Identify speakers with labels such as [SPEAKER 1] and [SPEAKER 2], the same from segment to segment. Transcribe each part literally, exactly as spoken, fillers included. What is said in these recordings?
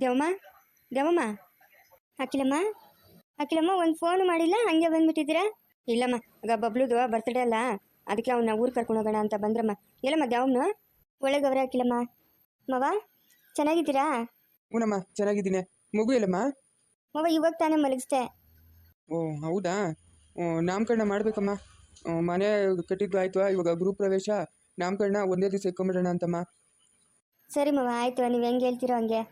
[SPEAKER 1] ದೇವಮ್ಮ ದೇವಮ್ಮ ಅಖಿಲಮ್ಮ ಅಖಿಲಮ್ಮ ಒಂದು ಫೋನ್ ಮಾಡಿಲ್ಲ ಹಂಗೆ ಬಂದ್ಬಿಟ್ಟಿದ್ದೀರಾ? ಇಲ್ಲಮ್ಮ ಆಗ ಬಬ್ಲುದು ಬರ್ತ್ಡೇ ಅಲ್ಲ, ಅದಕ್ಕೆ ಅವನ್ನ ಊರು ಕರ್ಕೊಂಡು ಹೋಗೋಣ ಅಂತ ಬಂದ್ರಮ್ಮ. ಎಲ್ಲಮ್ಮ ದೇವಮ್ಮನ ಒಳಗವ್ರೆ ಅಖಿಲಮ್ಮ. ಮವ ಚೆನ್ನಾಗಿದ್ದೀರಾ?
[SPEAKER 2] ಹ್ಞೂನಮ್ಮ ಚೆನ್ನಾಗಿದ್ದೀನಿ. ಮಗು ಎಲ್ಲಮ್ಮ?
[SPEAKER 1] ಮವ ಇವಾಗ ತಾನೇ ಮಲಗಿಸ್ದೆ.
[SPEAKER 2] ಓ ಹೌದಾ? ನಾಮಕರಣ ಮಾಡ್ಬೇಕಮ್ಮ. ಮನೆ ಕಟ್ಟಿದ್ದು ಆಯ್ತು, ಇವಾಗ ಗೃಹ ಪ್ರವೇಶ, ನಾಮಕರಣ ಒಂದೇ ದಿವಸ ಇಟ್ಕೊಂಬಿಡೋಣ ಅಂತಮ್ಮ.
[SPEAKER 1] ಸರಿ ಮವ ಆಯ್ತು, ನೀವು ಹೆಂಗೆ ಹೇಳ್ತೀರೋ ಹಂಗೆ.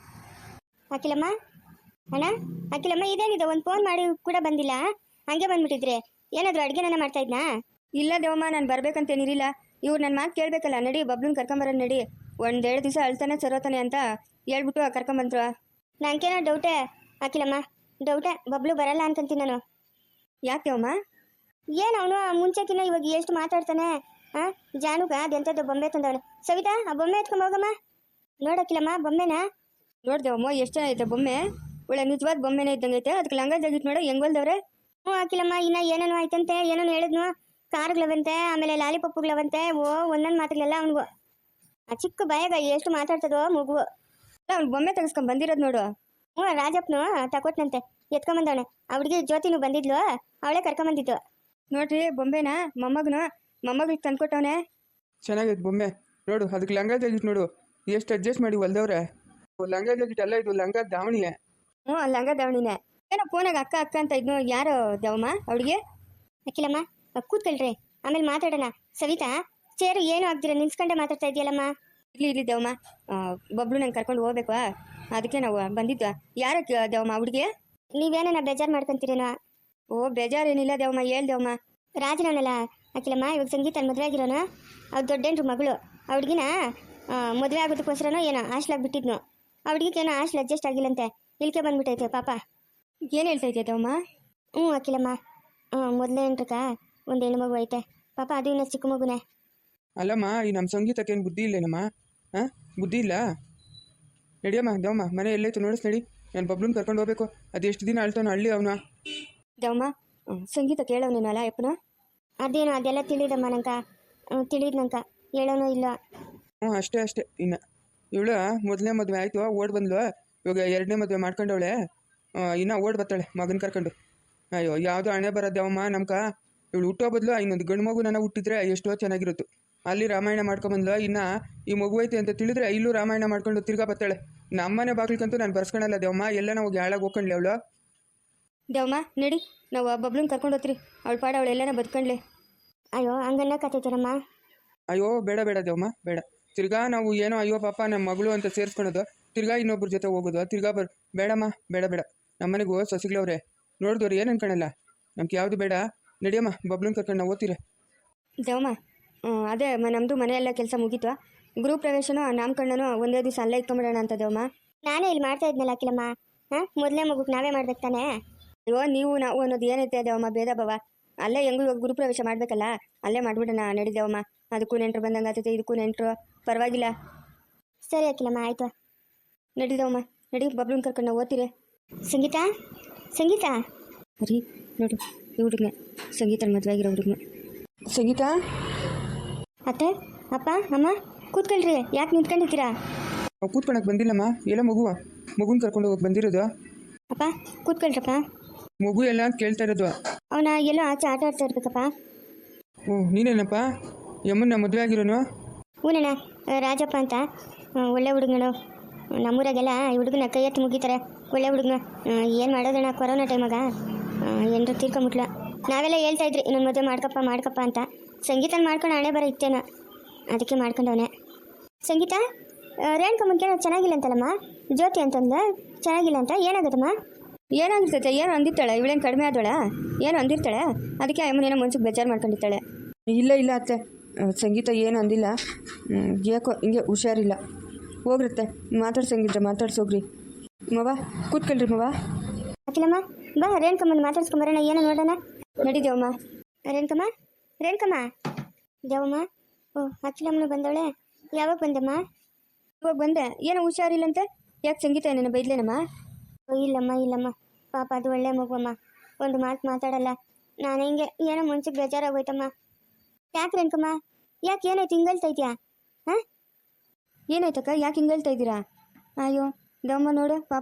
[SPEAKER 1] ಅಖಿಲಮ್ಮ ಅಣ್ಣ ಅಖಿಲಮ್ಮ ಇದೇನಿದೆ, ಒಂದು ಫೋನ್ ಮಾಡಿ ಕೂಡ ಬಂದಿಲ್ಲ, ಹಂಗೆ ಬಂದ್ಬಿಟ್ಟಿದ್ರೆ ಏನಾದರೂ ಅಡುಗೆನ ಮಾಡ್ತಾ ಇದ್ನಾ? ಇಲ್ಲ ದೇವಮ್ಮ, ನಾನು ಬರ್ಬೇಕಂತೇನಿರಿಲ್ಲ. ಇವ್ರು ನನ್ನ ಮಾತು ಕೇಳಬೇಕಲ್ಲ, ನಡಿ ಬಬ್ಲುನ ಕರ್ಕೊಂಬರೋಣ ನಡಿ. ಒಂದೆರಡು ದಿವಸ ಅಳ್ತಾನೆ ಸರೋತಾನೆ ಅಂತ ಹೇಳ್ಬಿಟ್ಟು ಕರ್ಕೊಂಬಂದ್ರು. ನನಗೇನೋ ಡೌಟೇ ಅಖಿಲಮ್ಮ, ಡೌಟೇ. ಬಬ್ಲು ಬರಲ್ಲ ಅನ್ಕೊಂತೀನಿ ನಾನು. ಯಾಕೆ ದೇವಮ್ಮ? ಏನು ಅವನು ಮುಂಚೆಕಿನ್ನ ಇವಾಗ ಎಷ್ಟು ಮಾತಾಡ್ತಾನೆ. ಹಾಂ ಜಾನುಗ ಅದೆಂಥದ್ದು ಬೊಂಬೆ ತಂದವನು. ಸವಿತಾ ಆ ಬೊಂಬೆ ಎತ್ಕೊಂಡ್ ಹೋಗಮ್ಮ. ನೋಡಕ್ಕಿಲ್ಲಮ್ಮ ಬೊಂಬೆನಾ? ನೋಡ್ದೇವಮ್ಮ ಎಷ್ಟು ಚೆನ್ನಾಗೈತೆ ಬೊಮ್ಮೆ, ಒಳ್ಳೆ ನಿಜವಾದ ಬೊಮ್ಮೆನೇ ಇದ್ದಂಗೈತೆ. ಅದಕ್ಕೆ ಲಂಗ ಜಾಗಿಟ್ ನೋಡ ಹೆಂಗ್ ಹೊಲ್ದವ್ರೆ. ಹ್ಞೂ ಹಾಕಿಲ್ಲಮ್ಮ, ಇನ್ನ ಏನೇನು ಆಯ್ತಂತೆ, ಏನೇನು ಹೇಳಿದ್ನು. ಕಾರ್ಗಳವಂತೆ, ಆಮೇಲೆ ಲಾಲಿಪಪ್ಪುಗಳವಂತೆ. ಓ ಒಂದೊಂದು ಮಾತುಗಳೆಲ್ಲ ಅವನಿಗೂ ಆ ಚಿಕ್ಕ ಬಾಯಾಗ ಎಷ್ಟು ಮಾತಾಡ್ತದೋ ಮಗು. ಅವ್ನು ಬೊಮ್ಮೆ ತೆಗೆಸ್ಕೊಂಡ್ ಬಂದಿರೋದು ನೋಡು. ಹ್ಞೂ ರಾಜಪ್ಪನು ತಕೊಟ್ನಂತೆ, ಎತ್ಕೊಂಬಂದವನೆ. ಅವ್ಳಿಗೆ ಜ್ಯೋತಿನೂ ಬಂದಿದ್ಲು, ಅವಳೇ ಕರ್ಕೊಂಬಂದಿದ್ದು. ನೋಡ್ರಿ ಬೊಂಬೆನ ಮೊಮ್ಮಗನು ಮೊಮ್ಮಗಳಿಗೆ ತಂದ್ಕೊಟ್ಟವನೆ.
[SPEAKER 2] ಚೆನ್ನಾಗೈತೆ ಬೊಮ್ಮೆ ನೋಡು. ಅದಕ್ಕೆ ಲಂಗ ಜಾಗಿಟ್ ನೋಡು ಎಷ್ಟು ಅಡ್ಜಸ್ಟ್ ಮಾಡಿ ಹೊಲ್ದವ್ರೆ. ಲಂಗ ಜಾಗಿಟ್ ಅಲ್ಲ, ಇದು ಲಂಗ ದಾವಣಿಯೇ.
[SPEAKER 1] ಹ್ಞೂ ಲಂಗ ದಾವಣಿನೇ. ಏನೋ ಫೋನಾಗ ಅಕ್ಕ ಅಕ್ಕ ಅಂತ ಇದ್ನು. ಯಾರು ದೇವಮ್ಮ ಅವಳಿಗೆ? ಅಖಿಲಮ್ಮ ಕೂತ್ಕೊಳ್ರಿ, ಆಮೇಲೆ ಮಾತಾಡೋಣ. ಸವಿತಾ ಚೇರು ಏನು ಆಗ್ದಿರ ನಿಲ್ಸ್ಕೊಂಡೆ ಮಾತಾಡ್ತಾ ಇದೆಯಲ್ಲಮ್ಮ. ಇಲ್ಲಿ ಇಲ್ಲಿ ದೇವಮ್ಮ, ಬಬ್ಲು ನಂಗೆ ಕರ್ಕೊಂಡು ಹೋಗ್ಬೇಕು, ಅದಕ್ಕೆ ನಾವು ಬಂದಿದ್ವಾ. ಯಾರಕ್ಕೆ ದೇವಮ್ಮ ಹುಡುಗಿ? ನೀವೇನ ಬೇಜಾರು ಮಾಡ್ಕೊಂತೀರೇನೋ? ಓ ಬೇಜಾರೇನಿಲ್ಲ ದೇವಮ್ಮ, ಹೇಳ್ ದೇವಮ್ಮ. ರಾಜನವನಲ್ಲ ಅಖಿಲಮ್ಮ, ಇವಾಗ ಸಂಗೀತ ಮದುವೆ ಆಗಿರೋನು, ಅವ್ರು ದೊಡ್ಡೇನ್ರು ಮಗಳು. ಆ ಹುಡುಗಿನ ಮದುವೆ ಆಗೋದಕ್ಕೋಸ್ಕರನೋ ಏನೋ ಹಾಸ್ಲಾಗಿ ಬಿಟ್ಟಿದ್ನು. ಆ ಹುಡುಗಿಗೇನೋ ಹಾಸ್ಲ್ ಅಡ್ಜಸ್ಟ್ ಆಗಿಲ್ಲಂತೆ, ಇಲ್ಕೆ ಬಂದ್ಬಿಟ್ಟೈತೆ ಪಾಪ. ಏನು ಹೇಳ್ತಾ ಇದೆಯಾ ದೇವಮ್ಮ? ಹ್ಞೂ ಅಖಿಲಮ್ಮ, ಹ್ಞೂ ಮೊದಲೇ ಏನ್ರಕ್ಕ ಒಂದು ಹೆಣ್ಣು ಮಗು ಐತೆ ಪಾಪ, ಅದು ಇನ್ನೂ ಚಿಕ್ಕ ಮಗುನೇ.
[SPEAKER 2] ಅಲ್ಲಮ್ಮ, ಈ ನಮ್ಮ ಸಂಗೀತಕ್ಕೇನು ಬುದ್ಧಿ ಇಲ್ಲೇನಮ್ಮ? ಹಾಂ ಬುದ್ಧಿ ಇಲ್ಲ? ನಡಿಯಮ್ಮ ದೇವಮ್ಮ, ಮನೆ ಎಲ್ಲೈತು ನೋಡಿಸ್ ನಡಿ. ನಾನು ಬಬ್ಲುನ ಕರ್ಕೊಂಡು ಹೋಗ್ಬೇಕು. ಅದು ಎಷ್ಟು ದಿನ ಅಳ್ತಾನೋ ಹಳ್ಳಿ ಅವನ.
[SPEAKER 1] ದೇವಮ್ಮ ಸಂಗೀತ ಕೇಳೋನೇನಲ್ಲ ಯಪ್ಪನ? ಅದೇನು ಅದೆಲ್ಲ ತಿಳಿದಮ್ಮ ನಂಕ, ತಿಳಿದ್ ನಂಕ ಹೇಳೋನು ಇಲ್ಲ.
[SPEAKER 2] ಹ್ಞೂ ಅಷ್ಟೇ ಅಷ್ಟೇ. ಇನ್ನು ಇವಳು ಮೊದಲನೇ ಮದುವೆ ಆಯಿತು, ಓಡ್ ಬಂದ್ಲು. ಇವಾಗ ಎರಡನೇ ಮದುವೆ ಮಾಡ್ಕೊಂಡವಳೆ, ಇನ್ನು ಓಡ್ ಬರ್ತಾಳೆ ಮಗನ ಕರ್ಕೊಂಡು. ಅಯ್ಯೋ ಯಾವುದೋ ಹಣೆ ಬರೋದೇವಮ್ಮ ನಮ್ಕ. ಇವಳು ಹುಟ್ಟೋ ಬದಲು ಇನ್ನೊಂದು ಗಂಡು ಮಗು ನನ್ನ ಹುಟ್ಟಿದ್ರೆ ಎಷ್ಟೋ ಚೆನ್ನಾಗಿರುತ್ತೆ. ಅಲ್ಲಿ ರಾಮಾಯಣ ಮಾಡ್ಕೊಂಬಂದ್ಲು, ಇನ್ನು ಈ ಮಗು ಐತೆ ಅಂತ ತಿಳಿದ್ರೆ ಇಲ್ಲೂ ರಾಮಾಯಣ ಮಾಡ್ಕೊಂಡು ತಿರ್ಗಾ ಬರ್ತಾಳೆ. ನಮ್ಮನೆ ಬಾಗಿಲ್ಕಂತೂ ನಾನು ಬರ್ಸ್ಕೊಳಲ್ಲ ದೇವಮ್ಮ, ಎಲ್ಲ ನಾವು ಹಾಳಾಗಿ ಹೋಗ್ಕೊಂಡ್ಲಿ ಅವಳು. ದೇವಮ್ಮ ನಡಿ, ನಾವು ಬಬ್ಲುನ ಕರ್ಕೊಂಡು ಹೋಗ್ತೀರಿ, ಅವಳು ಪಾಡ ಅವಳು ಎಲ್ಲನ ಬದುಕೊಂಡ್ಲಿ. ಅಯ್ಯೋ ಹಂಗನ್ನ ಕತ್ತೈತೇನಮ್ಮ? ಅಯ್ಯೋ ಬೇಡ ಬೇಡ ದೇವಮ್ಮ ಬೇಡ. ತಿರ್ಗಾ ನಾವು ಏನೋ ಅಯ್ಯೋ ಪಾಪ ನಮ್ಮ ಮಗಳು ಅಂತ ಸೇರಿಸ್ಕೊಳೋದು, ತಿರ್ಗಾ ಇನ್ನೊಬ್ರ ಜೊತೆ ಹೋಗೋದು, ತಿರ್ಗಾ ಬರ್ ಬೇಡಮ್ಮ ಬೇಡ ಬೇಡ. ನಮ್ಮನೆಗೂ ಸೊಸಿಗಳವ್ರೆ ನೋಡಿದವ್ರು ಏನು ಅನ್ಕೊಳಲ್ಲ, ನಮ್ಗೆ ಯಾವುದು ಬೇಡ. ನಡಿಯಮ್ಮ ಬಬ್ಲುನ ಕರ್ಕೊಂಡು ನಾವು ಓದ್ತೀರ. ದೇವಮ್ಮ ಅದೇ ನಮ್ಮದು ಮನೆಯೆಲ್ಲ ಕೆಲಸ ಮುಗೀತು. ಗೃಹ ಪ್ರವೇಶನೂ ನಾಮಕರಣನೂ ಒಂದೇ ದಿವಸ ಅಲ್ಲೇ ಇಟ್ಕೊಂಬಿಡೋಣ ಅಂತ ದೇವಮ್ಮ. ನಾನೇ ಇಲ್ಲಿ ಮಾಡ್ತಾ ಇದ್ನಲ್ಲ ಅಖಿಲಮ್ಮ. ಹಾಂ ಮೊದಲನೇ ಮಗುಗೆ ನಾವೇ ಮಾಡ್ಬೇಕು ತಾನೇ? ಅಯ್ಯೋ ನೀವು ನಾವು ಅನ್ನೋದು ಏನೈತೆ ದೇವಮ್ಮ, ಭೇದ ಭಾವ. ಅಲ್ಲೇ ಹೆಂಗೂ ಗುರು ಪ್ರವೇಶ ಮಾಡಬೇಕಲ್ಲ, ಅಲ್ಲೇ ಮಾಡಿಬಿಡೋಣ ನಡಿ ದೇವಮ್ಮ. ಅದಕ್ಕೂ ನೆಂಟರು ಬಂದಂಗೆ ಆಗ್ತೈತೆ, ಇದಕ್ಕೂ ನೆಂಟರು, ಪರವಾಗಿಲ್ಲ. ಸರಿ ಅಖಿಲಮ್ಮ ಆಯಿತು. ನಡಿ ದೇವಮ್ಮ ನಡಿ, ಬಬ್ಲುನ ಕರ್ಕೊಂಡು ನಾವು ಓದ್ತೀರಿ. ಸಂಗೀತ ಸಂಗೀತ ರೀ ನೋಡು, ಈ ಹುಡುಗನೆ ಸಂಗೀತನ ಮದುವೆ ಆಗಿರೋ ಹುಡುಗನೆ. ಸಂಗೀತ ಅತ್ತೆ ಅಪ್ಪ ಅಮ್ಮ ಕೂತ್ಕೊಳ್ರಿ, ಯಾಕೆ ನಿಂತ್ಕೊಂಡಿದ್ದೀರಾ? ಕೂತ್ಕೊಳಕ್ಕೆ ಬಂದಿಲ್ಲಮ್ಮ, ಎಲ್ಲ ಮಗುವ ಮಗುನ ಕರ್ಕೊಂಡು ಹೋಗಕ್ಕೆ ಬಂದಿರೋದು.
[SPEAKER 1] ಅಪ್ಪ ಕೂತ್ಕೊಳ್ರಪ್ಪ.
[SPEAKER 2] ಮಗು ಎಲ್ಲ ಅಂತ ಕೇಳ್ತಾ ಇರೋದು.
[SPEAKER 1] ಅವನ ಎಲ್ಲೋ ಆಚೆ ಆಟ ಆಡ್ತಾ ಇರ್ಬೇಕಪ್ಪ.
[SPEAKER 2] ಓ ನೀನೇನಪ್ಪ ಯಮ್ಮನ್ನ ಮದುವೆ ಆಗಿರೋನು?
[SPEAKER 1] ಹೂನಣ್ಣ, ರಾಜಪ್ಪ ಅಂತ ಒಳ್ಳೆ ಹುಡುಗನು. ನಮ್ಮೂರಾಗೆಲ್ಲ ಈ ಹುಡುಗನ ಕೈ ಎತ್ತು ಮುಗಿತಾರೆ, ಒಳ್ಳೆ ಹುಡುಗನ. ಏನು ಮಾಡೋದಣ್ಣ, ಕೊರೋನಾ ಟೈಮಾಗ ಏನರು ತೀರ್ಕೊಂಬಿಟ್ಲ. ನಾವೆಲ್ಲ ಹೇಳ್ತಾ ಇದ್ರಿ ಇನ್ನೊಂದು ಮದುವೆ ಮಾಡ್ಕಪ್ಪ ಮಾಡ್ಕಪ್ಪ ಅಂತ. ಸಂಗೀತನ ಮಾಡ್ಕೊಂಡು ಹಣೆ ಬರೋ ಇತ್ತೇನೋ, ಅದಕ್ಕೆ ಮಾಡ್ಕೊಂಡವನೆ. ಸಂಗೀತ ರೇಣುಕಮ್ಮನ ಚೆನ್ನಾಗಿಲ್ಲ ಅಂತಲ್ಲಮ್ಮ, ಜ್ಯೋತಿ ಅಂತಂದ ಚೆನ್ನಾಗಿಲ್ಲ ಅಂತ. ಏನಾಗುತ್ತಮ್ಮ? ಏನಾಗಿರ್ತೈತೆ, ಏನು ಅಂದಿರ್ತಾಳೆ, ಇವಳೇನು ಕಡಿಮೆ ಆದೋಳ, ಏನು ಅಂದಿರ್ತಾಳೆ, ಅದಕ್ಕೆ ಅಮ್ಮನೇನೋ ಮನ್ಸಿಗೆ ಬೇಜಾರು ಮಾಡ್ಕೊಂಡಿರ್ತಾಳೆ.
[SPEAKER 3] ಇಲ್ಲ ಇಲ್ಲ ಅತ್ತೆ, ಸಂಗೀತ ಏನು ಅಂದಿಲ್ಲ, ಯಾಕೋ ಹಿಂಗೆ ಹುಷಾರಿಲ್ಲ. ಹೋಗ್ರತ್ತೆ ಮಾತಾಡ್ಸಂಗಿದ್ರೆ ಮಾತಾಡ್ಸೋಗ್ರಿ. ಮವ ಕೂತ್ಕೊಳ್ರಿ ಮವ.
[SPEAKER 1] ಅಖಿಲಮ್ಮ ಬಾ, ರೇಣುಕಮ್ಮನ ಮಾತಾಡ್ಸ್ಕೊಂಬರೋಣ, ಏನೋ ನೋಡೋಣ. ನಡಿ ದೇವಮ್ಮ. ರೇಣುಕಮ್ಮ ರೇಣುಕಮ್ಮ ದೇವಮ್ಮ. ಓ ಅಖಿಲಮ್ಮನ ಬಂದವಳೆ, ಯಾವಾಗ ಬಂದಮ್ಮ? ಇವಾಗ ಬಂದೆ. ಏನೋ ಹುಷಾರಿಲ್ಲಂತೆ, ಯಾಕೆ ಸಂಗೀತ ಏನೇನು ಬೈದ್ಲೇನಮ್ಮ? ಇಲ್ಲಮ್ಮ ಇಲ್ಲಮ್ಮ, ಪಾಪ ಅದು ಒಳ್ಳೆ ಮಗುವಮ್ಮ, ಒಂದು ಮಾತು ಮಾತಾಡಲ್ಲ. ನಾನು ಹಿಂಗೆ ಏನೋ ಮುಂಚೆಗೆ ಬೇಜಾರಾಗೋಯ್ತಮ್ಮ. ಯಾಕೆ ರೇಣುಕಮ್ಮ, ಯಾಕೆ ಏನಾಯ್ತು ಹಿಂಗಲ್ತಾ ಇದೆಯಾ? ಹಾಂ ಏನಾಯ್ತಕ್ಕ, ಯಾಕೆ ಹಿಂಗಲ್ತಾ ಇದ್ದೀರಾ? ಅಯ್ಯೋ ದಮ್ಮ ನೋಡು ಪಾಪ.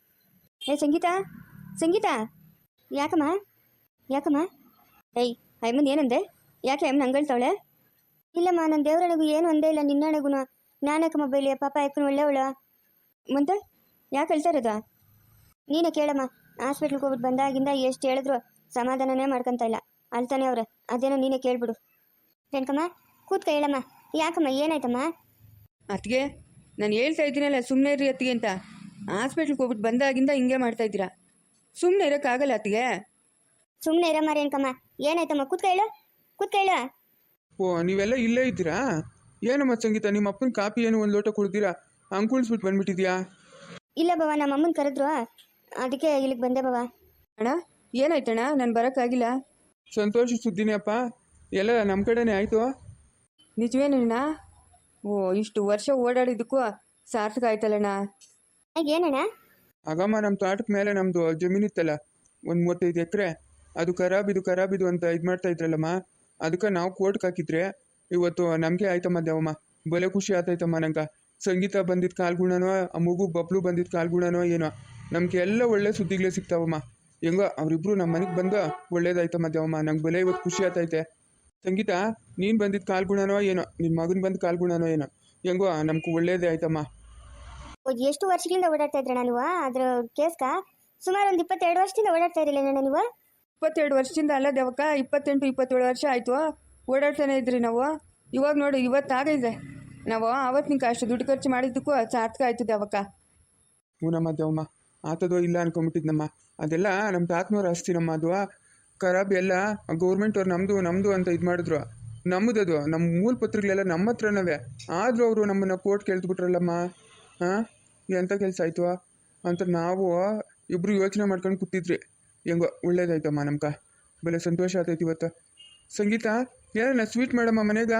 [SPEAKER 1] ಏ ಸಂಗೀತ, ಸಂಗೀತ, ಯಾಕಮ್ಮ ಯಾಕಮ್ಮ? ಏಯ್ ಅಯ್ಯಮ್ಮನ ಏನಂದೆ? ಯಾಕೆ ಅಮ್ಮನ ಹಂಗಳ್ತಾವಳೆ? ಇಲ್ಲಮ್ಮ, ನನ್ನ ದೇವ್ರನೆಗೂ ಏನು ಒಂದೇ ಇಲ್ಲ, ನಿನ್ನಣೆಗೂ ನಾನಕ್ಕಮ್ಮ ಬೈಲಿ, ಪಾಪ ಯಾಕನು ಒಳ್ಳೆವಳು. ಮುಂದೆ ಯಾಕೆ ಹೇಳ್ತಾ ಇರೋದು? ನೀನೇ ಕೇಳಮ್ಮ. ಹಾಸ್ಪಿಟ್ಲ್ಗೆ ಹೋಗ್ಬಿಟ್ಟು ಬಂದಾಗಿಂದ ಎಷ್ಟು ಹೇಳಿದ್ರು ಸಮಾಧಾನನೇ ಮಾಡ್ಕೊತ ಇಲ್ಲ, ಅಳ್ತಾನೆ ಅವ್ರೆ. ಅದೇನೋ ನೀನೇ ಕೇಳ್ಬಿಡು. ರೇಣುಕಮ್ಮ ಕೂತ್ಕ, ಹೇಳಮ್ಮ. ಯಾಕಮ್ಮ, ಏನಾಯ್ತಮ್ಮ?
[SPEAKER 3] ಅತ್ತಿಗೆ, ನಾನು ಹೇಳ್ತಾ ಇದ್ದೀನಲ್ಲ ಸುಮ್ಮನೆ ಇರ್ರಿ ಅತ್ತಿಗೆ ಅಂತ. ಹಾಸ್ಪಿಟ್ಲ್ಗೆ ಹೋಗ್ಬಿಟ್ಟು ಬಂದಾಗಿಂದ ಹಿಂಗೆ ಮಾಡ್ತಾ ಇದ್ದೀರಾ. ಸುಮ್ಮನೆ ಇರೋಕ್ಕಾಗಲ್ಲ ಅತ್ತಿಗೆ.
[SPEAKER 1] ಸುಮ್ಮನೆ ಇರಮ್ಮ ರೇಣುಕಮ್ಮ. ಏನಾಯ್ತಮ್ಮ? ಕೂತ್ಕ ಹೇಳು, ಕೂತ್ಕ ಹೇಳು.
[SPEAKER 2] ಓ ನೀವೆಲ್ಲ ಇಲ್ಲೇ ಇದ್ದೀರಾ? ಏನಮ್ಮ ಸಂಗೀತ, ನಿಮ್ಮ ಅಪ್ಪನ ಕಾಪಿ ಏನು ಒಂದು ಲೋಟ ಕುಡ್ದಿರಾ ಹಂಗೆ ಕುಳಿಸ್ಬಿಟ್ಟು ಬಂದ್ಬಿಟ್ಟಿದ್ಯಾ?
[SPEAKER 1] ಇಲ್ಲ ಬವ, ನಮ್ಮ ಅಮ್ಮನ ಕರೆದ್ರು, ಅದಕ್ಕೆ ಇಲ್ಲಿಗೆ ಬಂದೆ ಬವ.
[SPEAKER 3] ಅಣ್ಣ ಏನಾಯ್ತಣ್ಣ? ನಾನು ಬರೋಕ್ಕಾಗಿಲ್ಲ.
[SPEAKER 2] ಸಂತೋಷ ಸುದ್ದಿನೇ ಅಪ್ಪ, ಎಲ್ಲ ನಮ್ಮ ಕಡೆನೇ ಆಯಿತು.
[SPEAKER 3] ನಿಜವೇನಣ್ಣ? ಓ ಇಷ್ಟು ವರ್ಷ ಓಡಾಡಿದ್ದಕ್ಕೂ ಸಾರ್ಥಕ ಆಯ್ತಲ್ಲಣ್ಣ.
[SPEAKER 1] ಏನಣ್ಣ?
[SPEAKER 2] ಆಗಮ್ಮ ನಮ್ಮ ತೋಟದ ಮೇಲೆ ನಮ್ಮದು ಜಮೀನಿತ್ತಲ್ಲ ಒಂದು ಮೂವತ್ತೈದು ಎಕರೆ, ಅದು ಖರಾಬಿದು ಖರಾಬಿದು ಅಂತ ಇದು ಮಾಡ್ತಾ ಇದ್ರಲ್ಲಮ್ಮ, ಅದಕ್ಕೆ ನಾವು ಕೋರ್ಟ್ಗೆ ಹಾಕಿದ್ರೆ ಇವತ್ತು ನಮಗೆ ಆಯ್ತಮ್ಮ ದೇವಮ್ಮ. ಬಲೆ ಖುಷಿ ಆತೈತಮ್ಮ ನಂಗೆ. ಸಂಗೀತ ಬಂದಿದ್ದ ಕಾಲ್ಗುಣನೋ, ಆ ಮಗು ಬಬ್ಲು ಬಂದಿದ್ದ ಕಾಲ್ಗುಣನೋ ಏನೋ, ನಮಗೆ ಎಲ್ಲ ಒಳ್ಳೆ ಸುದ್ದಿಗಳೇ ಸಿಗ್ತಾವಮ್ಮ. ಹೆಂಗೋ ಅವರಿಬ್ರು ನಮ್ಮ ಮನೆಗೆ ಬಂದು ಒಳ್ಳೇದಾಯ್ತಮ್ಮ ದೇವಮ್ಮ. ನಂಗೆ ಬಲೆ ಇವತ್ತು ಖುಷಿ ಆತೈತೆ. ಸಂಗೀತ, ನೀನು ಬಂದಿದ್ದ ಕಾಲ್ಗುಣನೋ ಏನೋ, ನಿನ್ನ ಮಗನ ಬಂದ ಕಾಲ್ಗುಣನೋ ಏನೋ, ಹೆಂಗೋ ನಮ್ಗೆ ಒಳ್ಳೇದೇ ಆಯ್ತಮ್ಮ.
[SPEAKER 1] ಎಷ್ಟು ವರ್ಷಗಳಿಂದ ಓಡಾಡ್ತಾ ಇದ್ರಣ್ಣ ನೀವು ಅದ್ರ ಕೇಸ್ಕ? ಸುಮಾರು ಒಂದು ಇಪ್ಪತ್ತೆರಡು ವರ್ಷದಿಂದ ಓಡಾಡ್ತಾ ಇರಲಿಲ್ಲ ನೀವು?
[SPEAKER 3] ಇಪ್ಪತ್ತೆರಡು ವರ್ಷದಿಂದ ಅಲ್ಲ ದೇವಕ್ಕ, ಇಪ್ಪತ್ತೆಂಟು ಇಪ್ಪತ್ತೇಳು ವರ್ಷ ಆಯಿತು ಓಡಾಡ್ತಾನೆ ಇದ್ರಿ ನಾವು. ಇವಾಗ ನೋಡಿ ಇವತ್ತಾಗೈತೆ. ನಾವು ಆವತ್ತಿನ ಅಷ್ಟು ದುಡ್ಡು ಖರ್ಚು ಮಾಡಿದ್ದಕ್ಕೂ ಸಾರ್ಥಕ ಆಯ್ತು ದೇವಕ್ಕ.
[SPEAKER 2] ಹೂನಮ್ಮ ದೇವಮ್ಮ, ಆತದೋ ಇಲ್ಲ ಅನ್ಕೊಂಬಿಟ್ಟಿದ್ನಮ್ಮ. ಅದೆಲ್ಲ ನಮ್ಮ ತಾತನವ್ರ ಆಸ್ತಿ ನಮ್ಮ, ಅದು ಖರಾಬ್ ಎಲ್ಲ ಗೌರ್ಮೆಂಟ್ ಅವ್ರು ನಮ್ಮದು ನಮ್ಮದು ಅಂತ ಇದು ಮಾಡಿದ್ರು. ನಮ್ಮದದು ನಮ್ಮ ಮೂಲ ಪತ್ರಗಳೆಲ್ಲ ನಮ್ಮ ಹತ್ರನವೇ, ಆದರೂ ಅವರು ನಮ್ಮನ್ನು ಕೋರ್ಟ್ ಕೇಳ್ದ್ಬಿಟ್ರಲ್ಲಮ್ಮ. ಹಾಂ, ಎಂಥ ಕೆಲಸ ಆಯಿತು ಅಂತ ನಾವು ಇಬ್ಬರು ಯೋಚನೆ ಮಾಡ್ಕೊಂಡು ಕೂತಿದ್ರಿ. ಹೆಂಗೋ ಒಳ್ಳೇದಾಯ್ತಮ್ಮ ನಮ್ಗೆ, ಬೆಲೆ ಸಂತೋಷ ಆತೈತಿ ಇವತ್ತು. ಸಂಗೀತ, ಏನ ಸ್ವೀಟ್ ಮಾಡಮ್ಮ ಮನೆಗ?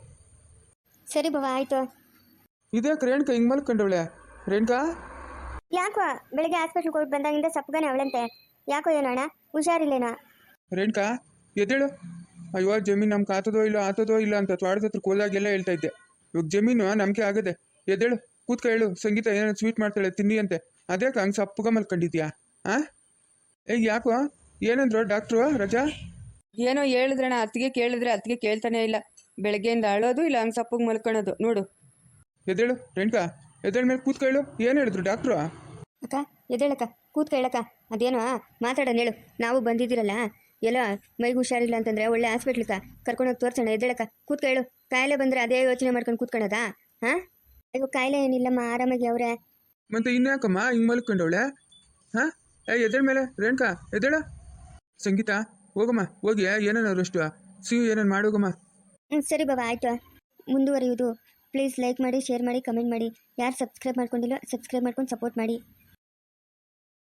[SPEAKER 1] ಸರಿ ಬವ, ಆಯ್ತು.
[SPEAKER 2] ಇದೇ ರೇಣುಕಾ ಹಿಂಗೆ ಮಲ್ಕೊಂಡವಳೆ. ರೇಣುಕಾ
[SPEAKER 1] ಯಾಕೋ ಬೆಳಿಗ್ಗೆ ಹಾಸ್ಪಿಟ್ಲ್ಗೆ ಹೋಗಿ ಬಂದಾಗಿಂದ ಸಪ್ಪಗಾನೆ ಅವಳಂತೆ. ಯಾಕೋ ಏನೋ ಅಣ್ಣ, ಹುಷಾರಿಲ್ಲೇನೋ?
[SPEAKER 2] ರೇಣುಕಾ ಎದ್ದೇಳು. ಅಯ್ಯೋ ಜಮೀನು ನಮ್ಗೆ ಆತದೋ ಇಲ್ಲ ಆತದೋ ಇಲ್ಲ ಅಂತ ತ್ವಾಡದ ಹತ್ರ ಹೋದಾಗೆಲ್ಲ ಹೇಳ್ತಾ ಇದ್ದೆ. ಇವಾಗ ಜಮೀನು ನಮಗೆ ಆಗದೆ. ಎದ್ದೇಳು, ಕೂತ್ಕ ಹೇಳು. ಸಂಗೀತ ಏನಾದ್ರು ಸ್ವೀಟ್ ಮಾಡ್ತಾಳೆ ತಿನ್ನಿ ಅಂತೆ, ಅದ್ಯಾಕೆ ಹಂಗೆ ಸಪ್ಪಗ ಮಲ್ಕೊಂಡಿದ್ಯಾ? ಹಾಂ, ಏ ಯಾಕೋ ಏನಂದ್ರು ಡಾಕ್ಟ್ರು ರಜಾ?
[SPEAKER 3] ಏನೋ ಹೇಳಿದ್ರಣ್ಣ, ಅತ್ತಿಗೆ ಕೇಳಿದ್ರೆ ಅತ್ತಿಗೆ ಕೇಳ್ತಾನೆ ಇಲ್ಲ. ಬೆಳಗ್ಗೆಯಿಂದ ಅಳೋದು ಇಲ್ಲ ಹಂಗೆ ಸಪ್ಪಗೆ ಮಲ್ಕೊಳ್ಳೋದು ನೋಡು.
[SPEAKER 2] ಎದ್ದೇಳು ರೇಣುಕಾ, ಎದ್ದೇಳ ಮೇಲೆ ಕೂತ್ಕ ಹೇಳು. ಏನು ಹೇಳಿದ್ರು ಡಾಕ್ಟ್ರು?
[SPEAKER 1] ಅಕ್ಕ ಎದ್ದೇಳಕ್ಕ, ಕೂತ್ಕ ಹೇಳಕ್ಕ. ಅದೇನೋ ಮಾತಾಡೋಣ ಹೇಳು. ನಾವು ಬಂದಿದ್ದೀರಲ್ಲ, ಎಲ್ಲ ಮೈಗೆ ಹುಷಾರಿಲ್ಲ ಅಂತಂದ್ರೆ ಒಳ್ಳೆ ಹಾಸ್ಪಿಟ್ಲಿಕ ಕರ್ಕೊಂಡೋಗಿ ತೋರ್ಸೋಣ. ಎದ್ದೇಳಕ್ಕ, ಕೂತ್ಕ ಹೇಳು. ಕಾಯಿಲೆ ಬಂದರೆ ಅದೇ ಯೋಚನೆ ಮಾಡ್ಕೊಂಡು ಕೂತ್ಕೊಳ್ಳೋದಾ? ಹಾಂ, ಈಗ ಕಾಯಿಲೆ ಏನಿಲ್ಲಮ್ಮ, ಆರಾಮಾಗಿ ಅವರೇ.
[SPEAKER 2] ಮತ್ತೆ ಇನ್ಯಾಕಮ್ಮ ಹಿಂಗೆ ಮಲ್ಕೊಂಡವಳೆ? ಹಾಂ, ಏ ಎದ್ದೇಳ ಮೇಲೆ ರೇಣುಕಾ, ಎದ್ದೇಳ. ಸಂಗೀತ ಹೋಗಮ್ಮ, ಹೋಗಿ ಏನೇನಾದ್ರು ಅಷ್ಟು ಸಿಹಿ ಏನೇನು ಮಾಡೋಗಮ್ಮ.
[SPEAKER 1] ಹ್ಞೂ ಸರಿ ಬಾಬಾ, ಆಯಿತು. ಮುಂದುವರಿಯುವುದು. ಪ್ಲೀಸ್ ಲೈಕ್ ಮಾಡಿ, ಶೇರ್ ಮಾಡಿ, ಕಮೆಂಟ್ ಮಾಡಿ. ಯಾರು ಸಬ್ಸ್ಕ್ರೈಬ್ ಮಾಡ್ಕೊಂಡಿಲ್ಲ ಸಬ್ಸ್ಕ್ರೈಬ್ ಮಾಡ್ಕೊಂಡು ಸಪೋರ್ಟ್ ಮಾಡಿ.